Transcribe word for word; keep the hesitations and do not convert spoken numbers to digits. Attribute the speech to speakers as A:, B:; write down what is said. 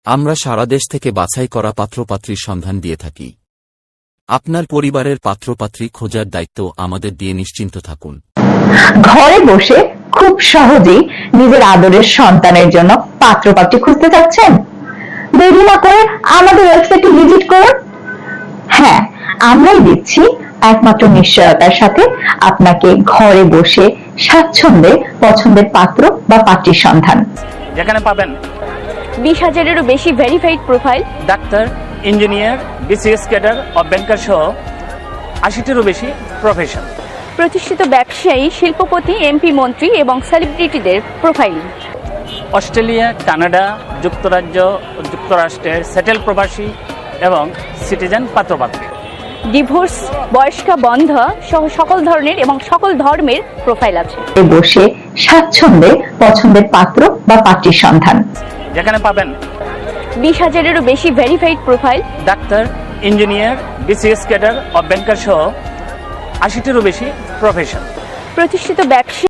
A: আমরা সারা দেশ থেকে বাছাই করা পাত্রপাত্রীর সন্ধান দিয়ে থাকি। আপনার পরিবারের পাত্রপাত্রী খোঁজার দায়িত্ব আমাদের দিয়ে নিশ্চিন্ত থাকুন।
B: ঘরে বসে খুব সহজেই নিজের আদরের সন্তানের জন্য পাত্রপাত্রী খুঁজতে চাচ্ছেন? দেরি না করে আমাদের ওয়েবসাইটে ভিজিট করুন। হ্যাঁ, আমরাই দিচ্ছি একমাত্র নিশ্চয়তার সাথে আপনাকে ঘরে বসে স্বাচ্ছন্দ্যে পছন্দের পাত্র বা পাত্রীর সন্ধান,
C: যেখানে পাবেন
D: বিশ হাজারেরও বেশি verified profile,
C: doctor, engineer, BCS cadre ও ব্যাংকার সহ আশিটিরও বেশি প্রফেশন,
D: প্রতিষ্ঠিত ব্যবসায়ী, শিল্পপতি, এমপি, মন্ত্রী এবং সেলিব্রিটিদের প্রোফাইল,
C: অস্ট্রেলিয়া, কানাডা, যুক্তরাজ্য, যুক্তরাষ্ট্রের সেটেল প্রবাসী এবং সিটিজেন পাত্রপাত্রী,
D: ডিভোর্স, বয়স্কা, বন্ধা সহ সকল ধরনের এবং সকল ধর্মের প্রোফাইল আছে।
B: বসে স্বাচ্ছন্দ্যে পছন্দের পাত্র বা পাত্রীর সন্ধান,
C: যেখানে পাবেন
D: বিশ হাজারেরও বেশি verified profile,
C: doctor, engineer, BCS cadre ও ব্যাংকার সহ আশিটিরও বেশি প্রফেশন,
D: প্রতিষ্ঠিত ব্যবসায়ী